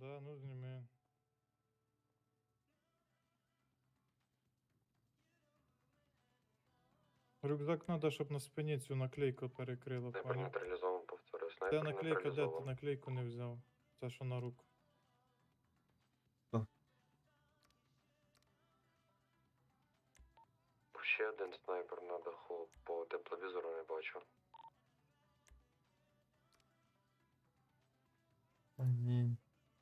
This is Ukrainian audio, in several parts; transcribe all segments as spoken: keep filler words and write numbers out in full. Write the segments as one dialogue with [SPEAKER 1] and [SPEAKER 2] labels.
[SPEAKER 1] Да, ну зніми. Рюкзак треба, щоб на спині цю наклейку перекрило,
[SPEAKER 2] Снайпер
[SPEAKER 1] поняв?
[SPEAKER 2] нейтралізован, повторюю.
[SPEAKER 1] Це
[SPEAKER 2] Снайпер
[SPEAKER 1] наклейка, де ти
[SPEAKER 2] нейтралізован.
[SPEAKER 1] наклейку не взяв? Це що на руку.
[SPEAKER 2] Ще один снайпер на даху, по тепловізору не бачу.
[SPEAKER 3] А, ні.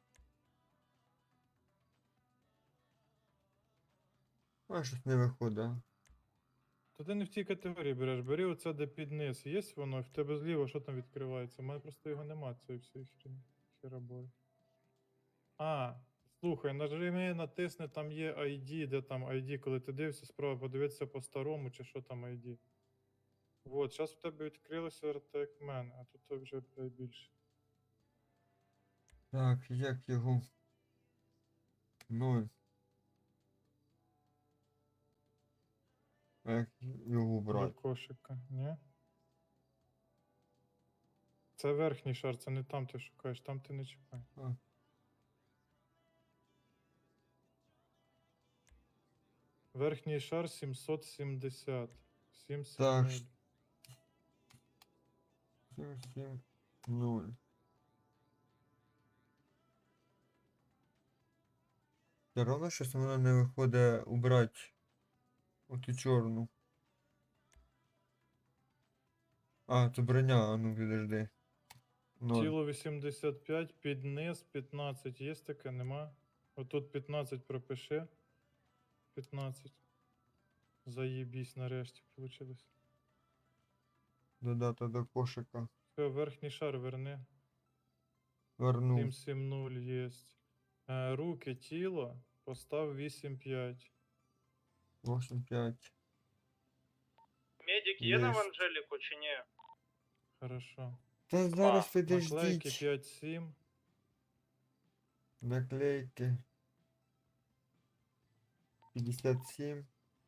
[SPEAKER 3] А, щось не виходить.
[SPEAKER 1] То ти не в тій категорії береш, бери оце де під низ. Є воно, і в тебе зліва, що там відкривається? У мене просто його нема, цієї всієї хрені. Херабори. А, слухай, нажми, натисни, там є ай ді, де там ай ді, коли ти дивишся, справа подивитися по старому, чи що там ай ді. Вот, зараз в тебе відкрилося РТ як в мене, а тут вже блядь, більше.
[SPEAKER 3] Так, як його? Ноль. А як його
[SPEAKER 1] До
[SPEAKER 3] брати?
[SPEAKER 1] кошика, ні? Це верхній шар, це не там ти шукаєш, там ти не чекай.
[SPEAKER 3] А.
[SPEAKER 1] Верхній шар сімсот сімдесят.
[SPEAKER 3] Так.
[SPEAKER 1] сімсот.
[SPEAKER 3] сім, сім, нуль. Все равно щось воно не виходить убрати оту чорну. А, це броня, а ну підожди. Ноль.
[SPEAKER 1] Тіло вісімдесят п'ять, під низ п'ятнадцять. Є таке, нема? Отут п'ятнадцять пропиши. п'ятнадцять. Заєбісь, нарешті вийшло.
[SPEAKER 3] Додати до кошика.
[SPEAKER 1] Все, верхній шар верни.
[SPEAKER 3] Вернув.
[SPEAKER 1] сім сім нуль є. Е, руки, тіло, постав вісім п'ять.
[SPEAKER 3] вісім п'ять.
[SPEAKER 4] Медик є на
[SPEAKER 3] Єсть.
[SPEAKER 4] Анжеліку чи ні?
[SPEAKER 1] Хорошо.
[SPEAKER 3] Та зараз
[SPEAKER 1] Наклейки
[SPEAKER 3] підождіть.
[SPEAKER 1] п'ять сім.
[SPEAKER 3] Наклейки. п'ятдесят сім.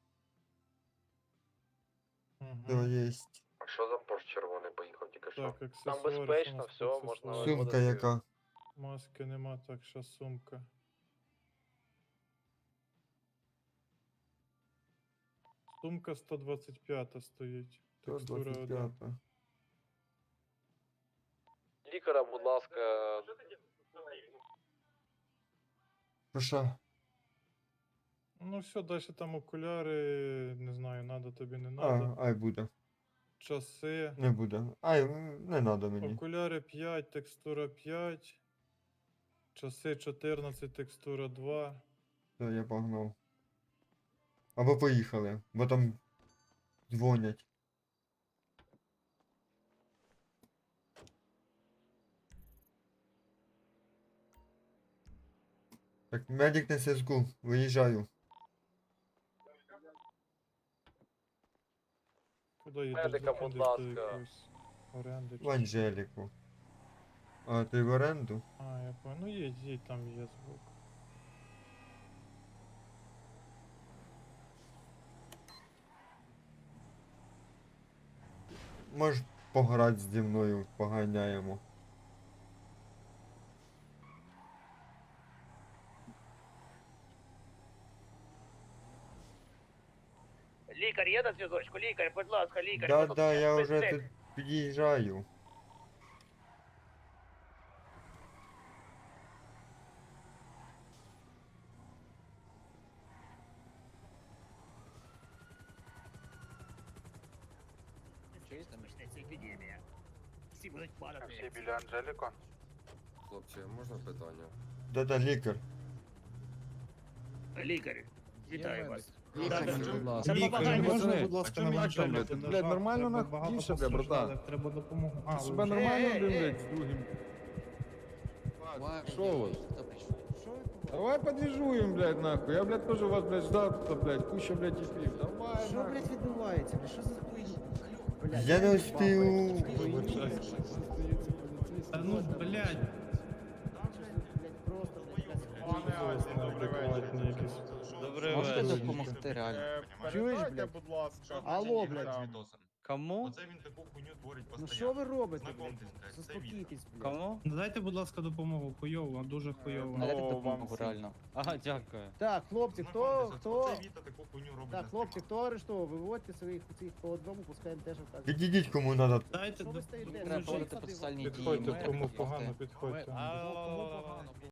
[SPEAKER 3] Все
[SPEAKER 1] Угу.
[SPEAKER 3] есть.
[SPEAKER 2] А що за Порш червоний поїхав тільки що?
[SPEAKER 1] Так, аксесуари. що у
[SPEAKER 4] безпечно,
[SPEAKER 1] нас по
[SPEAKER 4] все, можна
[SPEAKER 1] аксесуарам?
[SPEAKER 4] виводити.
[SPEAKER 3] Сумка яка?
[SPEAKER 1] Маски нема, так що сумка. Сумка сто двадцять п'ять стоїть. Текстура один.
[SPEAKER 3] сто двадцять п'ять.
[SPEAKER 4] Лікаря, будь ласка.
[SPEAKER 3] Що що?
[SPEAKER 1] Ну все, далі там окуляри, не знаю, надо тобі, не
[SPEAKER 3] А,
[SPEAKER 1] надо.
[SPEAKER 3] ай буде.
[SPEAKER 1] Часи.
[SPEAKER 3] Не буде. Ай, не надо мені.
[SPEAKER 1] Окуляри п'ять, текстура п'ять. Часи чотирнадцять, текстура два.
[SPEAKER 3] Все, я погнав. Або поїхали, бо там дзвонять. Так, медик на зв'язку, виїжджаю.
[SPEAKER 1] Куди їдеш?
[SPEAKER 4] Медика, будь
[SPEAKER 1] Заходиш до
[SPEAKER 4] ласка.
[SPEAKER 1] якоїсь оренди.
[SPEAKER 3] В
[SPEAKER 1] чи-
[SPEAKER 3] Анжеліку. А, ти в оренду?
[SPEAKER 1] А, я понял. Ну їдь, їдь, там є звук.
[SPEAKER 3] Можеш пограти зі мною, поганяємо.
[SPEAKER 4] Лікар є на зв'язочку? Лікар, будь ласка, лікар.
[SPEAKER 3] Да,
[SPEAKER 4] що тут?
[SPEAKER 3] да, я
[SPEAKER 4] Без
[SPEAKER 3] вже
[SPEAKER 4] цих.
[SPEAKER 3] тут під'їжджаю.
[SPEAKER 5] Через там почнеться епідемія. Всі будуть падати.
[SPEAKER 6] Всі біля Анжеліко?
[SPEAKER 2] Хлопці, можна питання?
[SPEAKER 3] Да-да, лікар.
[SPEAKER 5] Лікар, вітаю вас.
[SPEAKER 7] Лікар,
[SPEAKER 5] Да,
[SPEAKER 7] будь
[SPEAKER 5] да.
[SPEAKER 7] ласка.
[SPEAKER 5] Це
[SPEAKER 7] Лікар,
[SPEAKER 5] побагання.
[SPEAKER 7] можна, будь ласка,
[SPEAKER 8] А чому
[SPEAKER 7] на
[SPEAKER 8] як там, блядь?
[SPEAKER 7] Анжеліку?
[SPEAKER 8] Блядь, нормально
[SPEAKER 7] Треба
[SPEAKER 8] нахуй?
[SPEAKER 7] багато
[SPEAKER 8] Більше, бля, братан.
[SPEAKER 7] постраждалих, треба допомогу. А,
[SPEAKER 8] Ти
[SPEAKER 7] ви
[SPEAKER 8] себе
[SPEAKER 7] вже-
[SPEAKER 8] нормально,
[SPEAKER 5] Ей,
[SPEAKER 8] блін,
[SPEAKER 5] ей,
[SPEAKER 8] блядь, з другим?
[SPEAKER 7] Ладно,
[SPEAKER 8] Що у вас?
[SPEAKER 7] хто прийшов?
[SPEAKER 8] Давай подвижуем, блядь, нахуй. Я, блядь, тоже вас, блядь, ждал, тут, блядь, куча, блядь, типів. Давай,
[SPEAKER 7] Що,
[SPEAKER 8] нахуй.
[SPEAKER 7] блядь, відбувається? Блядь, що за хуйня? Блядь,
[SPEAKER 3] Я не успів.
[SPEAKER 8] Та ну, блядь.
[SPEAKER 7] просто, блядь,
[SPEAKER 1] Неадекватні якісь.
[SPEAKER 6] Добрий
[SPEAKER 7] Можете
[SPEAKER 6] вечір.
[SPEAKER 7] допомогти реально?
[SPEAKER 8] Е,
[SPEAKER 7] Чуєш,
[SPEAKER 8] передайте,
[SPEAKER 7] блядь?
[SPEAKER 8] будь ласка.
[SPEAKER 7] Алло,
[SPEAKER 8] там.
[SPEAKER 7] блядь.
[SPEAKER 6] Кому?
[SPEAKER 9] Оце він таку хуйню творить
[SPEAKER 7] Ну
[SPEAKER 9] постійно.
[SPEAKER 7] що ви робите,
[SPEAKER 9] Знакомтесь,
[SPEAKER 7] блядь?
[SPEAKER 9] блядь, це
[SPEAKER 7] Заспокійтесь, блядь.
[SPEAKER 6] Кому?
[SPEAKER 10] Дайте, будь ласка, допомогу. Хуйово, дуже хуйово.
[SPEAKER 6] Надайте
[SPEAKER 1] Ну,
[SPEAKER 6] допомогу,
[SPEAKER 1] вам всім.
[SPEAKER 6] реально. Ага, дякую.
[SPEAKER 7] Так, хлопці, хто,
[SPEAKER 9] Знакомтесь,
[SPEAKER 7] хто...
[SPEAKER 9] оце Віта таку хуйню робить
[SPEAKER 7] Так,
[SPEAKER 9] на
[SPEAKER 7] хлопці,
[SPEAKER 9] стрімах.
[SPEAKER 7] хто арештовував? Виводьте своїх цих по одному, пускаємо теж в так.
[SPEAKER 3] Підійдіть кому надо.
[SPEAKER 10] Дайте
[SPEAKER 7] Що ви
[SPEAKER 10] доп-
[SPEAKER 7] стоїте?
[SPEAKER 6] Треба
[SPEAKER 7] Скажіть,
[SPEAKER 6] проводити
[SPEAKER 7] що ти-
[SPEAKER 6] процесуальні дії.
[SPEAKER 1] Підходьте,
[SPEAKER 6] ми-
[SPEAKER 1] кому погано, підходьте.
[SPEAKER 10] А,